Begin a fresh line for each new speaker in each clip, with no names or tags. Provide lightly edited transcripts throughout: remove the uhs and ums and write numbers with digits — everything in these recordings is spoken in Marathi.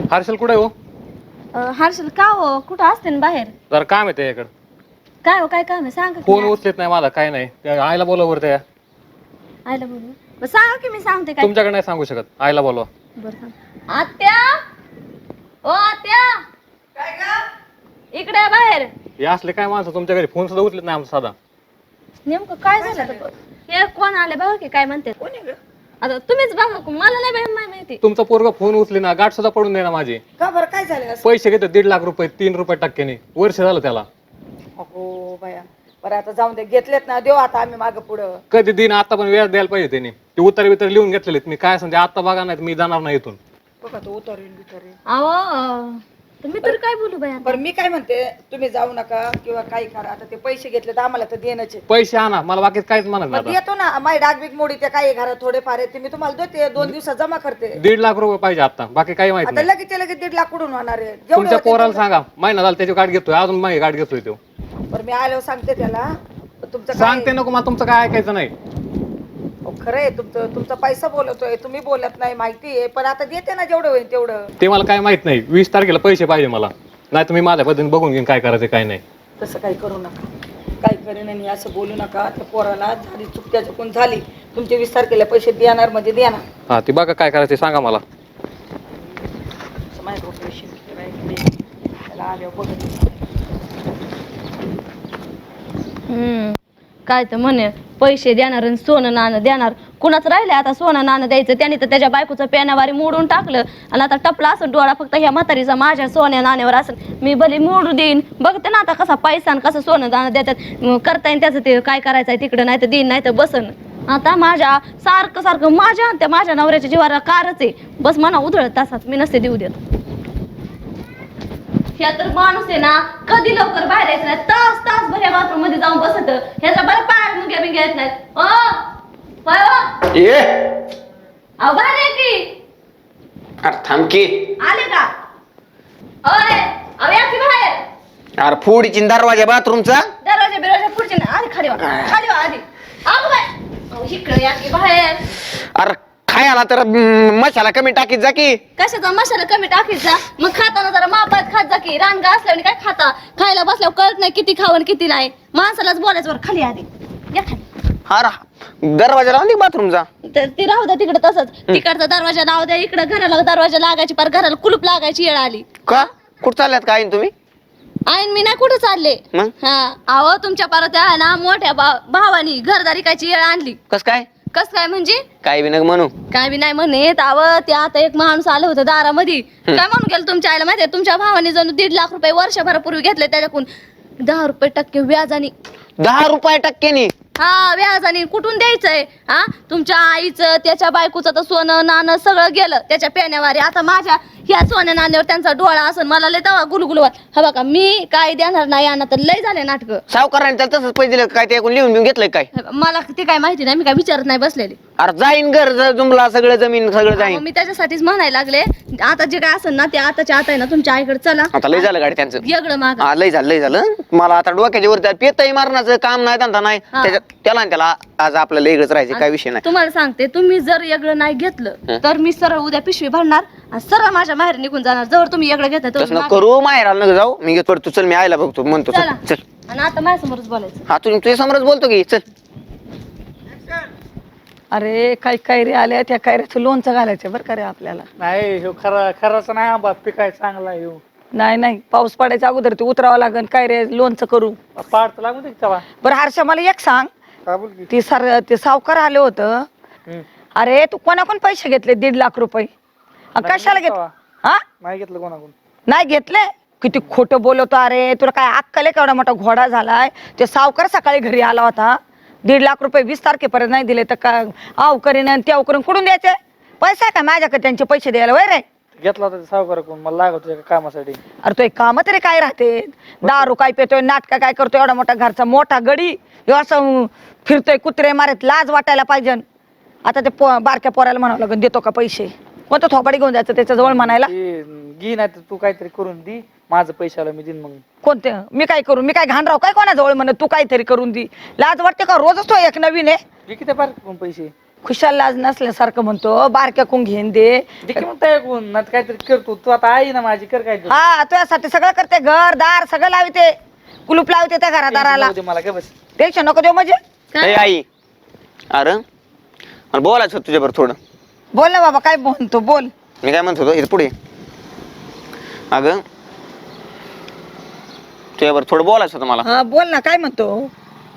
हर्षल कुठे हो?
हर्षल का हो कुठं असते ना बाहेर?
जरा काम आहे त्याच्याकडे.
काय हो काय काम आहे सांगा की.
फोन उचलत नाही मला, काय नाही. त्या आईला बोलवा त्या.
आयला बोलू बरं सांगा की मी सांगते काय.
तुमच्याकडे नाही सांगू शकत, आईला बोलवा.
बरं सांग. आत्या ओ आत्या
काय ग?
इकडे या बाहेर.
हे असले काय माणसं तुमच्या घरी फोन सुद्धा उचलत नाही आमचा साधा.
नेमकं काय झालं तर? हे कोण आले बघा की काय म्हणते.
कोणी ग?
आता तुम्हीच बघा मला नाही माहिती.
तुमचा पोरगा फोन उचले ना, गाठ सुद्धा पडून दे ना माझी.
का बरं काय झालं असं?
पैसे घेतो 1.5 लाख रुपये, 3 रुपये टक्क्याने. वर्ष झालं त्याला.
अगो बाया, बरं आता जाऊन दे, घेतलेत ना, देऊ आता आम्ही मागं पुढं.
कधी दिन आता पण व्याज द्यायला पाहिजे त्यांनी. ते उतारे बितारे लिहून घेतलेले. मी काय सांगते आता बघा, नाही मी जाणार नाही इथून.
बघा तो उतरेल बितरेल.
अहो तर मी तर काय बोलू बाया.
बरं मी काय म्हणते, तुम्ही जाऊ नका किंवा काही करा. आता ते पैसे घेतले तर आम्हाला तर देणंच आहे.
पैसे आणा, मला बाकी काहीच म्हणत
मग
नाही.
देतो ना, माय डागबीग मोडी ते काही घरात थोडेफार आहे ते मी तुम्हाला देते, 2 दिवसात जमा करते.
1.5 लाख रुपये पाहिजे आता, बाकी काही माहिती
आता
नाही.
लगेच 1.5 लाख कुठून होणार आहे?
तुमच्या
होते
पोराला
तेवढं.
सांगा, महिना झाला त्याची गाठ घेतोय, अजून माझी गाठ घेतोय तो.
बरं मी आल्यावर सांगते त्याला. तुमचं काय-
सांगते नको मला, तुमचं काय ऐकायचं नाही.
खरं आहे तुमचा पैसा बोलतोय, तुम्ही बोलत नाही माहिती आहे, पण आता देते ना जेवढं होईल तेवढं.
ते मला काय माहित नाही. 20 तारखेला पैसे पाहिजे मला, नाही तुम्ही माझ्या पद्धतीने बघून घेईन काय करायचं काय नाही.
तसं काही करू नका, काही करेन आणि असं बोलू नका. त्या पोराला झाली चूक, त्या चुकून झाली. तुमचे 20 तारखेला पैसे देणार म्हणजे देणार.
हा ती बघा काय करायचं सांगा मला.
असं माझ्या पैसे त्याला आल्यावर बघत.
काय तर म्हणे पैसे देणार आणि सोनं नाणं देणार. कुणाच राहिले आता सोनं नाणं द्यायचं? त्याने तर त्याच्या बायकोचं पेनावारी मोडून टाकलं आणि आता टपला असं डोळा फक्त ह्या म्हातारीचा माझ्या सोन्या नाण्यावर असेल. मी भले मोडू देईन, बघते ना आता कसा पैसा आणि कसं सोनं नाणं देतात. करता येईल त्याचं ते काय करायचं आहे तिकडं, नाही तर देईन नाही तर बसन. आता माझ्या सारखं माझ्या नवऱ्याच्या जीवाला कारच आहे. बस म्हणा उधळत तासात मी नसते देऊ देत. ह्या तर माणूस आहे ना, कधी लवकर बाहेर यायचं नाही. तास भर बाथरूम मध्ये जाऊन बसत. ह्याचा बरं पाय मुंग्या बिंग्या येत नाहीत.
ये
अहो बाहेर आहे की.
अरे थांब की.
आले का? ओय अहो या की बाहेर.
अरे फोडीची दरवाजा बाथरूमचा.
दरवाजा पुढचे ना. आधी खाली वा आधी. अगं बाय अहो इकडे या की बाहेर.
अरे खायला तर मसाला कमी टाकीत जा की.
कशाचा मसाला कमी टाकायचा? मग खाताना जरा मापात खात जा की. रानगा असल्यावर काय खाता, खायला बसल्यावर कळत नाही किती खावं किती नाही. माणसालाच बोलायचं बरं. खाली आधी या खाली.
अरे दरवाजा लावून दे बाथरूमचा.
तर ती राहू द्या तिकडे तसंच. तिकडचा दरवाजा लावू द्या, इकडे घराला दरवाजा लागायची, पर घराला कुलूप लागायची वेळ आली.
का कुठं चालल्यात काय तुम्ही?
आईन मी नाही कुठं चालले.
मग
हा अहो तुमच्या परत आहे ना मोठ्या भावानी घरदारी कायची वेळ आणली.
कस काय?
कस काय म्हणजे?
काय बी नग म्हणू.
काय बी नाही म्हणत. अव ते आता एक माणूस आलं होतं दारामध्ये. काय म्हणून गेलं तुमच्या आईला माहितीये? तुमच्या भावाने जणू 1.5 लाख रुपये वर्षभरापूर्वी घेतले, त्याच्याकडून 10 रुपये टक्के व्याजाने.
10 रुपये टक्क्यानी?
हा व्याजाने. कुठून द्यायचंय? हा तुमच्या आईचं त्याच्या बायकोचं तर सोनं नाणं सगळं गेलं त्याच्या पेण्यावारी. आता माझ्या ह्या सोन्या नाण्यावर त्यांचा डोळा असन. मला लय तवा गुलगुलवा. हा बघा मी काय देणार नाही यांना, तर लय झाले नाटक.
सावकाराने त्याला तसंच पैसे दिले काय? ते लिहून घेऊन घेतलंय काय?
मला ते काय माहिती नाही, मी काय विचारत नाही बसलेले.
अरे जाईन घर जुमला सगळं जमीन सगळं जाईन.
मी त्याच्यासाठीच म्हणायला लागले. आता जे काय असेल ना ते आताच्या आता आहे ना तुमच्या आईकडे चला.
आता लय झालं गाडी त्यांचं.
वेगळं माग.
हा लय झालं. मला आता डोक्याच्या वरती पेतही मारण्याचं काम नाही, धंदा नाही. त्याला आज आपल्याला वेगळंच राहायचं, काय विषय नाही.
तुम्हाला सांगते, तुम्ही जर वेगळं नाही घेतलं तर मी सरळ उद्या पिशवी भरणार आणि सरळ माझ्या बाहेर निघून जाणार. जवळ तुम्ही वेगळं घेता
तसं नको करू. माहेराला नको जाऊ. मी घेतो तू चल, मी आईला बघतो म्हणतो.
चला.
चल.
आणि आता माझ्यासमोरच बोलायचं.
हा तुझ्या समोरच बोलतो की. चल.
अरे काही कैरी आल्या, त्या कैऱ्याचं लोणचं घालायचं बरं का रे आपल्याला.
नाही ह्यो खराच नाही आंबा पिकाय चांगला ह्यो.
नाही पाऊस पडायच्या अगोदर ते उतरावं लागेल. काय रे लोणचं करू.
पाडत लागू दे चला.
बरं हर्षा मला एक सांग,
का बोल की?
ते सावकार आले होतं.
हम्म.
अरे तू कोणाकडून पैसे घेतले 1.5 लाख रुपये? कशाला घेत? हा
नाही घेतलं कोणाकडून.
नाही घेतले? किती खोटं बोलवतो. अरे तुला काय अक्कल आहे? केवढा मोठा घोडा झालाय. ते सावकार सकाळी घरी आला होता. 1.5 लाख रुपये 20 तारखेपर्यंत नाही दिले तर का आव करीन आणि त्याव करून कुठून द्यायचे? पैसा काय माझ्याकडे त्यांचे पैसे द्यायला? वय रे
घेतला होता सावकार कोण मला लागत होतं एका कामासाठी.
अरे तो एक काम तरी काय राहते? दारू काय पितोय, नाटका काय करतोय, एवढा मोठा घरचा मोठा गडी ह्यो असं फिरतोय कुत्रे मारत. लाज वाटायला पाहिजे. आता ते बारक्या पोराला म्हणावं लागेल देतो का पैसे. कोणतं थोपाडी घेऊन जायचं त्याच्या जवळ म्हणायला?
घे नाही तर तू काहीतरी करून दे, माझं पैशाला मी देईन. मग
कोणते मी काय करू? मी काय घाण राहू काय कोणाजवळ म्हणत? तू काहीतरी करून दे. लाज वाटते का? रोजच तो एक नवीन आहे.
घे किती पार पैसे.
खुशाल लाज नसल्यासारखं म्हणतो बारक्या कोण घेऊन दे
देखील म्हणता ऐकून ना काहीतरी करतो तू आता आई ना माझी कर काय
हा तुझ्यासाठी सगळं करते घर दार सगळं लावते कुलूप लावते त्या घरादाराला
मला काय बस
टेन्शन नको देऊ म्हणजे
ए आई अरे मला बोलायचं होतं तुझ्याबरोबर थोडं.
बोल ना बाबा काय म्हणतो बोल.
मी काय म्हणत होतो इथे पुढे अगं तुझ्याबरोबर थोडं बोलायचं होतं मला.
हा बोल ना काय म्हणतो.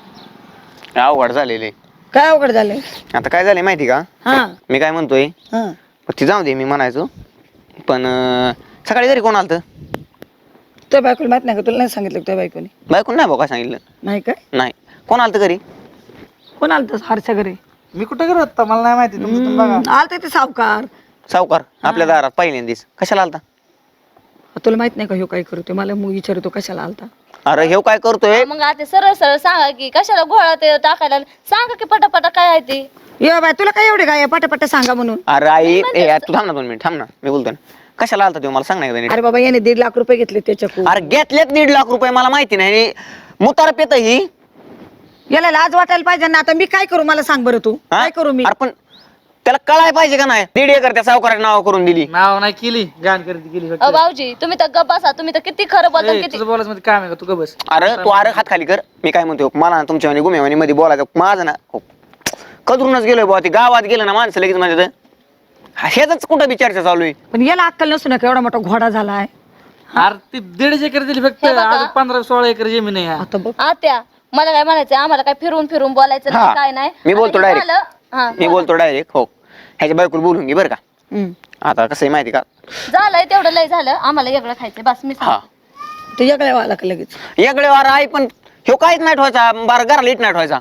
अवघड झालेले.
काय अवघड झालंय.
आता काय झालंय माहिती का
हा
मी काय म्हणतोय
हा
ती जाऊ दे मी म्हणायचो पण सकाळी घरी कोण आलतं.
तुझ्या बायकोला माहित नाही का तुला नाही सांगितलं तुझ्या बायकोने.
बायकोन नाही भाऊ काय सांगितलं
नाही काय
नाही कोण आलतं घरी.
कोण आलं हरच्या घरी.
मी कुठं करत होता मला नाही माहिती तुम्ही बघा
आलते ते सावकार.
सावकार आपल्या दारात पहिल्यांदीच कशाला आलता.
तुला माहित नाही का ह्यो काय करतो मला मग विचारतो कशाला आलता.
अरे हे काय करतोय.
मग आता सरळ सरळ सांगा की कशाला घोळा ते टाकायला सांगा की पटापटा काय आहे ते.
ये बाय तुला काय एवढे काय पटापट सांगा म्हणून.
अरे आई तू थांब ना 2 मिनिट थांब ना मी बोलतोय ना. कशाला आलता तो मला सांग नाही.
अरे बाबा याने 1.5 लाख रुपये घेतले त्याच्याकडून.
अरे घेतलेत 1.5 लाख रुपये मला माहिती नाही मुतार पेत ही.
याला लाज वाटायला पाहिजे ना आता मी काय करू मला सांग बरं तू
हा?
काय करू मी.
अरे पण त्याला कळाय पाहिजे का नाही 1.5 एकर त्या सावकाराच्या नाव करून दिली.
नाव नाही केली गाण खरेदी केली फक्त.
भाऊजी तुम्ही तर गप्प बसा तुम्ही तर किती खरं बोलता
ए,
किती.
तुझं बोलायचं मध्ये काम आहे का तू ग बस.
अरे तू अरे हात खाली कर. मी काय म्हणतो मला ना तुमच्या गुमेवानी मध्ये बोलायचं माझं ना कदरूनच गेलोय बुवा. ती गावात गेलं ना माणसं लगेच म्हणजे ह्याच कुठं बी चर्चा चालू आहे.
पण याला अक्कल नसू नका एवढा मोठा घोडा झालाय.
अरे ती 1.5 एकर दिली फक्त
हे बघा.
अजून 15-16 एकर जमीन आहे यार.
आता बघ
आत्या मला काय म्हणायचं आम्हाला काय फिरून फिरून बोलायचं
हा.
नाही काय नाही.
मी बोलतो
आता हे
direct.
झालं. हा,
मी बोलतो डायरेक्ट हो ह्याच्या बायकोला बोलून घे बरं का.
हम्म.
आता कसं आहे माहिती का
झालंय तेवढं लय झालं आम्हाला वेगळं खायचं बस मी
हा
तू याकडे वाला का लगेच.
याकडे वार आहे पण ह्यो काहीच नाही ठेवायचा बारा घराला इट नाही ठेवायचा.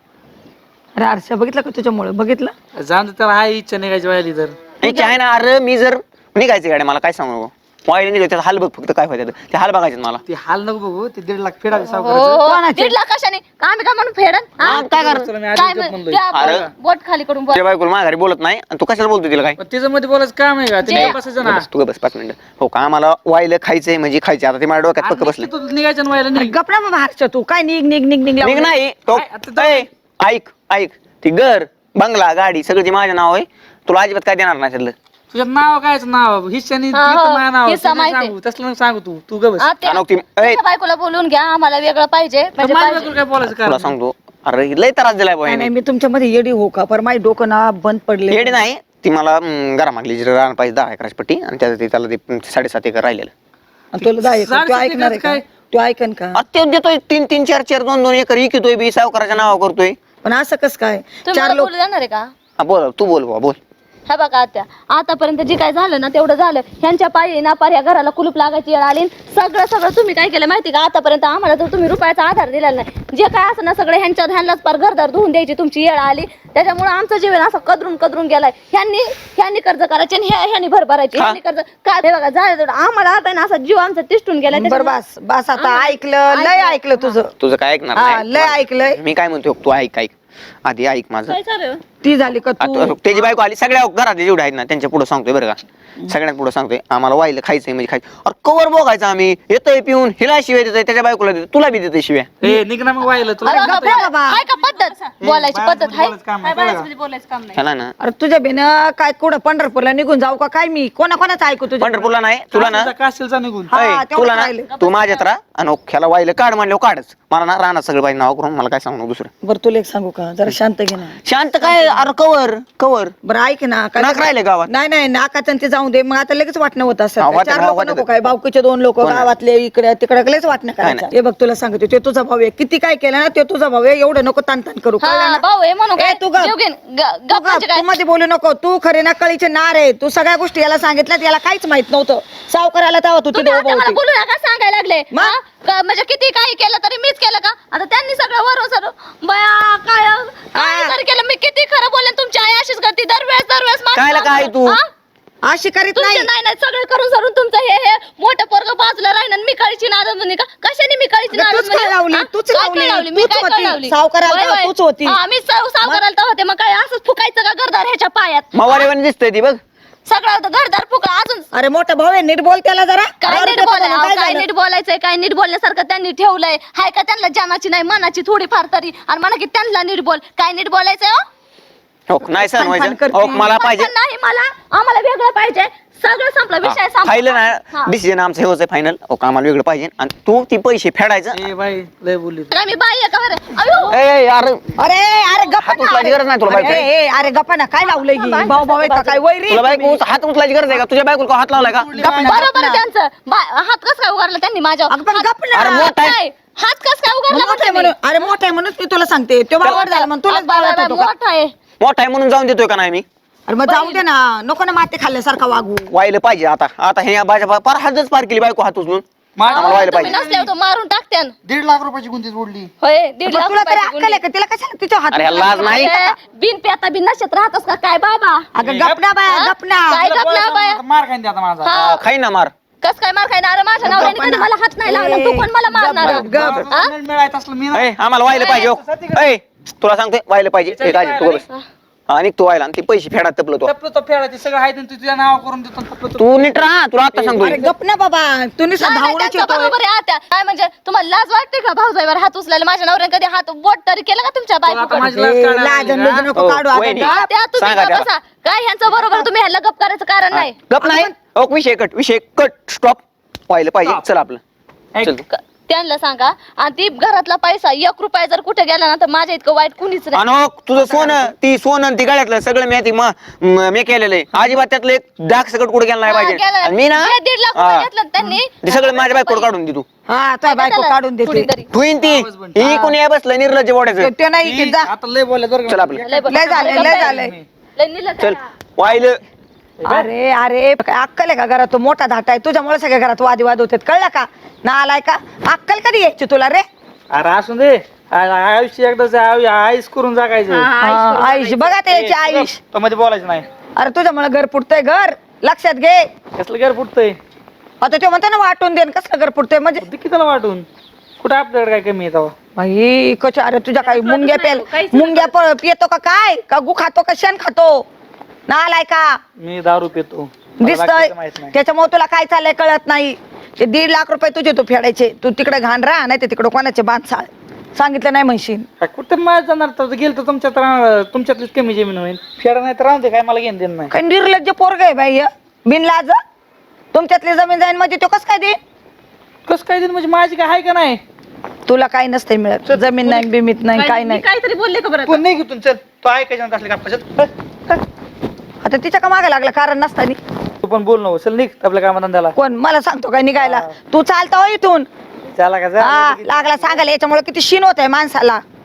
अरे आरशा बघितलं का तुझ्यामुळे बघितलं.
जाऊन दे त्याला हाय इच्छा निघायची व्हायली तर
इच्छा आहे ना. अरे मी जर निघायचं गाड्या मला काय सांगू वाईला निघायचं त्याचा हाल बघ फक्त काय व्हायचं ते हाल बघायचे मला.
ती हाल नको बघू ते 1.5 लाख फेडावे
हो,
सावकाराचं.
हो.
कोणाचे?
1.5 लाख कशाने आम्ही काय म्हणून फेडन हा?
काय कर
चला मी
काय
आधी
म्हण-
म्हणलोय.
त्या
अरे.
बोट खाली करून बोल.
तुझ्या बायकोला माझ्या घरी बोलत नाही आणि तू कशाला बोलतो तिला काय.
पण तिचं मध्ये बोलायचं काम आहे का
जे-
तिने बसायचं ना.
बस तू बस 5 मिनिटं हो का आम्हाला वाईला खायचंय म्हणजे खायचं आता ते माझ्या डोक्यात पक्क बसले.
तू निघायचं ना व्हायला
अरे
निघ.
गपरा बाबा हर्ष तू काय निघ निघ निघ निघ
निघ
लावून.
नाही तो
काय, आता जाऊ.
ए, ऐक ऐक ती घर बंगला गाडी सगळं ती माझ्या नाव आहे. तुला अजिबात काय देणार नाही त्यातलं.
तुझ्या नाव कायचं नाव हिस्सानी
हा, हो.
माझ्या नाव
हिस्सा माहिती.
सांगू तसलं नको सांगू तू ग बस.
आत्या,
आणि ती- ए.
तुमच्या बायकोला बोलून घ्या आम्हाला वेगळं पाहिजे म्हणजे
माझ्या
पाहिजे.
बायकोला काय बोलायचं
तुला
कारण
सांगतो अरे लय त्रास दिलाय
नाही, नाही
बहिणी.
मी तुमच्यामध्ये येडी हो का पर माझी डोकं ना बंद पडले.
येडी नाही ती मला घरा मागली रान पाहिजे 10 एकराची पट्टी आणि त्याला ते 7.5 एकर राहिलेलं.
आणि तुला जाय तू
7.5
ऐकणार आहे का
काय?
तू ऐकन का.
अत्य देतोय 3-3 4-4 2-2 एकर इकितोय बी सावकाराच्या नाव करतोय.
पण असं कस काय
तुम्ही
4
मला
लोक
बोलू देणार आहे का.
हा बोल तू बोल बाबा बोल.
हा बघा आत्या आतापर्यंत जे काय झालं ना तेवढं झालं. ह्यांच्या पायी ना पार ह्या घराला कुलूप लागायची वेळ आली. सगळं तुम्ही काय केलं माहिती का आतापर्यंत आम्हाला तर तुम्ही रुपयाचा आधार दिलेला नाही. जे काय असं ना सगळं ह्यांलाच पार घरदार धुवून द्यायची तुमची वेळ आली. त्याच्यामुळे आमचं जीवन असं कदरून गेलाय. ह्यांनी कर्ज करायचे आणि ह्यांनी भर भरायची ह्यांनी कर्ज काय हे बघा झालं तेवढं आम्हाला आता ना असा जीव आमचा तिष्ठून गेलाय.
बर बस बस आता ऐकलं लय ऐकलं तुझं.
तुझं काय ऐकणार
हा,
नाही.
लय ऐकलंय.
मी काय म्हणतो तू ऐक ऐक आधी ऐक माझं.
काय चालू आहे?
ती झाली का तू.
आता त्याची बायको आली सगळ्या घरातले जेवढे आहेत ना त्यांच्या पुढे सांगतोय बरं का सगळ्यात पुढे सांगतोय आम्हाला वाईला खायचंय म्हणजे खायचं. अरे कवर बघायचं आम्ही येतोय पिऊन हिला शिव्या देतोय त्याच्या बायकोला देतोय तुला बी देतोय शिव्या.
ए निघ ना मग व्हायला तुला
अरे
काय
बाबा,
कळतंय?
बाबा.
हाय का पद्धत बोलायची पद्धत आहे
बोलायचं काम आहे, कळलं का?
ह्याला ना
अरे तुझ्या बेन काय कुठं पंढरपूरला निघून जाऊ का काय मी कोणाकोणाचं ऐकू तुझ्या.
पंढरपूरला नाही तुला ना
काशीलचा निघून
हा,
ऐ,
तेवढंच
तुला ना
राहिलं.
तू माझ्यात राहा आणि ह्याला वाईला काढ म्हणलं काढच मला ना राहणार सगळं पाहिजे नाव करून मला काय सांगू नको दुसरं.
बरं तुला एक सांगू का जरा शांत घे ना.
शांत काय अरे कवर कवर
बरं ऐक ना काय
नाक राहिले गावात.
नाही नाही नाकाचं ते जाऊ दे मग आता लगेच वाटणं होत असं
हा, वाटणं,
4 लोक
वाटणं.
नको काय बावकीचे 2 लोक
कोण आहे?
गावातले इकडे तिकडे लगेच वाटणं करायचं.
नाही.
हे बघ तुला सांगते ते तुझा भाऊ आहे किती काय केलं ना ते तुझा भाऊ आहे एवढं नको ताण करू कळलं
हा
ना?
भाऊ आहे म्हणून
ए,
काय
तू गप.
जीव घेईन.
तू
गप म्हणजे
गप,
काय
तू मध्ये बोलू नको तू खरे ना कळीचे नार आहे तू सगळ्या गोष्टी याला सांगितल्यात याला काहीच माहित नव्हतं सावकाराला तेव्हा तू
तुम्ही
तिथे
आता
उभं
मला
होती.
बोलू नका सांगायला लागले
मग?
हा? म्हणजे किती काही केलं तरी मीच केलं का आता त्यांनी सगळं वरून सर बया काय जरी केलं मी किती खरं बोलेन तुमची आई अशीच करते दरवेळेस माझं
कायला काय तू?
हा?
अशी करीत
तुमचे
नाही
नाही नाही सगळं करून सरून तुमचं हे मोठं पोरग बाजूला राहीन आणि मी काळीची नाराज म्हणे का कशाने मी काळीची
अगं,
नाराज
तूच काय लावली? तूच लावली.
मी
तूच
काय
होती.
लावली
सावकाराला
वय, वय.
तूच होती.
हा, मी सावकाराला तर होते मग काय असंच फुकायचं का घरदार ह्याच्या पायात
मवारेवानी दिसतंय ती बघ.
सगळं घरदार फुका अजून
अरे मोठा भाऊ आहे नीट बोल त्याला जरा
काय
दारू
नीट
पितो
बोलाय
म्हणून
अहो, काय
झालं?
नीट बोलायचंय काय नीट बोलण्यासारखं त्यांनी ठेवलंय हाय का त्यांना जानाची नाही मनाची थोडी फार तरी आणि म्हणा की त्यांना नीट बोल काय नीट बोलायचंय हो?
हो नाही सण
फन
व्हायचं
करते.
हो मला पाहिजे
पण नाही मला आम्हाला वेगळं पाहिजे सगळं संपलं विषय
फायनल
संपला
ना डिसिजन आमचं हेच आहे फायनल हो आम्हाला वेगळं पाहिजे आणि तू ती पैसे फेडायचं
ए बाई लय बोलली तू.
काय मी बाई आहे का बरं अयो
ए यार
अरे अरे गप्पा
हात उचलायची गरज नाही तुला बायको.
अरे गप्पा ना काय लावलंय ही? भाऊ भाऊ आहेत का काय वैरी
तुला बायको हात उचलायची गरज आहे का तुझ्या बायकोला हात लावलाय का
बरोबर आहे त्यांचं हात कस काय उगारला त्यांनी माझ्यावर
अगं पण गप्प ना.
अरे मोठा आहे.
नाही, हात कस काय उगारला
मोठा आहे म्हणून अरे मोठा आहे म्हणून मी तुला सांगते तो बावड झाला म्हणून तुलाच बावळत होतो का?
मोठा आहे
मोठा आहे म्हणून जाऊन देतोय का नाही मी
अरे मग जाऊ दे ना नको ना माती खाल्ल्यासारखा वागू
व्हायला पाहिजे आता आता हे बाजा पार हातच पार केली बायको हात उचलून
माझं
आम्हाला व्हायला
तुम्ही
पाहिजे
नसल्यावर तो मारून टाकत्यान
1.5 लाख रुपयाची गुंतीच उडली
होय 1.5 लाख
तुला तरी
रुपयाची
अक्कल आहे का तिला कशाला तिच्या हात
अरे ह्याला लाज नाही
गुंडी. बिन पेता बिन नशेत राहतस का काय बाबा
अगं गपना बाया
हा?
गपना
काय
तुला
गपना
बोलायचं
बाया?
म्हणलं तर मार खाईन ते आता माझा
हा.
खाई ना मार
कस काय मार खायना अरे माझ्या नवऱ्याने कधी मला हात नाही लावला तू पण मला मारणार
गप.
हा?
मिळायचं असलं मी ना-
ए आम्हाला व्हायला पाहिजे हो. ए तुला सांगतोय व्हायला पाहिजे ए, राजे, तू बस. आणि तू व्हायला आणि ते पैसे फेडात तपलं तू
टपलं तो फेडायचे सगळं आहे ते तुझ्या नाव करून देतो टपलं तो.
तू नीट राहा तुला आता सांगतो
अरे गपना बाबा तू निसा
नाही, नाही,
धावण्याची
त्यांचं बरोबर आहे आत्या काय म्हणजे तुम्हाला लाज वाटते का भाऊजाईवर हात उचलायला माझ्या नवऱ्याने कधी हात बोट तरी केलं का तुमच्या
आता
बायकोकडे
माझी लाज काढायला
लाज
लागली, हा?
नको काढू आता.
वहिनी.
त्या तुम्ही
सांगा
गप
त्याला.
बसा. काय ह्यांचं बरोबर तुम्ही ह्याला गप करायचं कारण नाही
गप नाही हो विषय कट स्टॉप व्हायला पाहिजे चल आपलं चल तू.
त्यांना सांगा आणि ती घरातला पैसा 1 रुपया जर कुठे गेला ना तर माझ्या इतकं वाईट कुणीच नाही
आणि हो, तुझं सोनं ती सोनं ती गळ्यातलं सगळं मी केलेलं आहे अजिबात त्यातलं एक डाग सगळं कुठे गेला नाही
हा,
पाहिजे
गेलं.
आणि मी ना
जे 1.5 लाख रुपये
हा.
घेतलं त्यांनी
ते सगळं माझ्या बायकोड काढून दे तू
हा तुझ्या बायको काढून देते
कुणीतरी.
ठुईन ती ही कोणी आहे बसलं निर्लज्ज बोडायचं
ते नाही की जा
आता लय बोलले बरं का.
चल आपलं
लय झालंय लय झालंय
लय निलं
चल
करा.
व्हायला
अरे अरे काय अक्कल आहे का घरात तो मोठा धाटा आहे तुझ्यामुळे सगळ्या घरात वादविवाद होतात कळलं का ना आलाय का अक्कल कधी यायची तुला रे
अरे असून दे आयुष्य एकदाच आईस करून जागायचं
आयुष बघा ते याची आयुष
तो मध्ये बोलायचं नाही
अरे तुझ्यामुळे घर पुटतंय घर लक्षात घे
कसलं घर फुटतंय
आता ते म्हणतो ना वाटून दे कसलं घर पुटतंय म्हणजे
किती त्याला वाटून कुठं आपल्याकडे काय कमी येतो
बाई कच अरे तुझ्या काही मुंग्या पितो का काय का गु खातो का शेण खातो ना आलाय का
मी दारू पितो मला
दिसतोय
बाकीचं माहित नाही.
त्याच्यामुळे तुला काय चाललंय कळत नाही ते 1.5 लाख रुपये तुझे तू फेडायचे तू तिकडे घाण राहा नाही ते तिकडे कोणाचे बांध सांगितलं नाही म्हणशील
काय कुठं माझं जाणार तर गेलं तर तुमच्यातलीच कमी जमीन होईल फेडा नाही तर राहून दे काय मला घेणं देणं नाही
काय निर्लज्ज पोरग आहे बाई बिनलाज तुमच्यातली जमीन जाईन म्हणजे तो कस काय दे
कसं काय देईन म्हणजे माझी काय आहे का नाही
तुला काही नसते मिळत जमीन नाही बिमीत नाही काय
मी
नाही
काहीतरी बोलले का बरं
तू नाही घेतून चल तो ऐकायचं असले का
आता तिच्या का मागे लागलं कारण नसतानी
तू पण बोल नको चल निघ आपल्या कामाधंद्याला
कोण मला सांगतो काय निघायला तू चालता हो इथून
त्याला का
हा लागला सांगायला याच्यामुळे किती शीन होत आहे माणसाला